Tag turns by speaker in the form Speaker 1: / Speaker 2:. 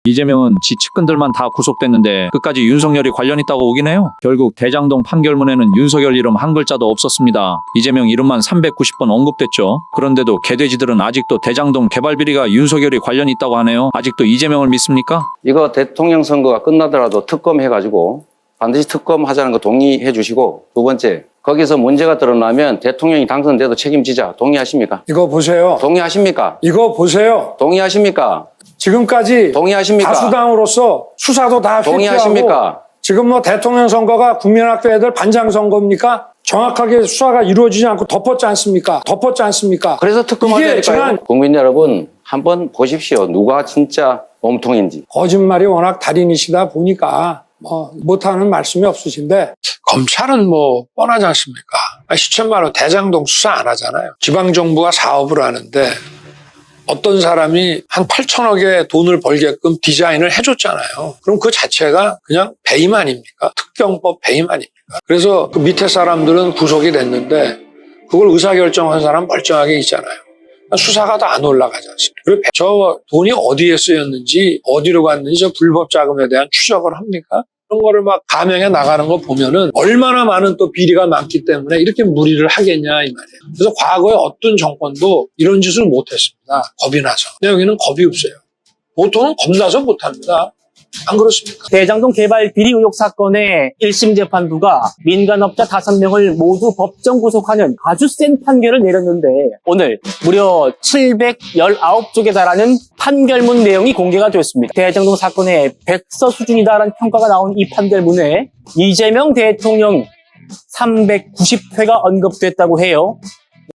Speaker 1: 이재명은 지 측근들만 다 구속됐는데 끝까지 윤석열이 관련 있다고 오긴 해요. 결국 대장동 판결문에는 윤석열 이름 한 글자도 없었습니다. 이재명 이름만 390번 언급됐죠. 그런데도 개돼지들은 아직도 대장동 개발 비리가 윤석열이 관련 있다고 하네요. 아직도 이재명을 믿습니까?
Speaker 2: 이거 대통령 선거가 끝나더라도 특검해가지고 반드시 특검하자는 거 동의해 주시고, 두 번째, 거기서 문제가 드러나면 대통령이 당선돼도 책임지자. 동의하십니까?
Speaker 3: 이거 보세요.
Speaker 2: 동의하십니까?
Speaker 3: 이거 보세요.
Speaker 2: 동의하십니까?
Speaker 3: 지금까지
Speaker 2: 동의하십니까?
Speaker 3: 다수당으로서 수사도 다 회피하고
Speaker 2: 동의하십니까?
Speaker 3: 지금 뭐 대통령 선거가 국민학교 애들 반장 선거입니까? 정확하게 수사가 이루어지지 않고 덮었지 않습니까? 덮었지 않습니까?
Speaker 2: 그래서 특검하자니까요.
Speaker 3: 지난
Speaker 2: 국민 여러분, 한번 보십시오. 누가 진짜 몸통인지.
Speaker 3: 거짓말이 워낙 달인이시다 보니까 뭐 못하는 말씀이 없으신데
Speaker 4: 검찰은 뭐 뻔하지 않습니까? 시천만원 대장동 수사 안 하잖아요. 지방정부가 사업을 하는데 어떤 사람이 한 8천억의 돈을 벌게끔 디자인을 해줬잖아요. 그럼 그 자체가 그냥 배임 아닙니까? 특경법 배임 아닙니까? 그래서 그 밑에 사람들은 구속이 됐는데 그걸 의사결정한 사람 멀쩡하게 있잖아요. 수사가 다 안 올라가지 않습니까? 그리고 저 돈이 어디에 쓰였는지 어디로 갔는지 저 불법 자금에 대한 추적을 합니까? 그런 거를 막 감형해 나가는 거 보면은 얼마나 많은 또 비리가 많기 때문에 이렇게 무리를 하겠냐 이 말이에요. 그래서 과거에 어떤 정권도 이런 짓을 못했습니다. 겁이 나서. 근데 여기는 겁이 없어요. 보통은 겁나서 못합니다. 안 그렇습니까?
Speaker 5: 대장동 개발 비리 의혹 사건의 1심 재판부가 민간업자 5명을 모두 법정 구속하는 아주 센 판결을 내렸는데 오늘 무려 719쪽에 달하는 판결문 내용이 공개가 되었습니다. 대장동 사건의 백서 수준이다라는 평가가 나온 이 판결문에 이재명 대통령 390회가 언급됐다고 해요.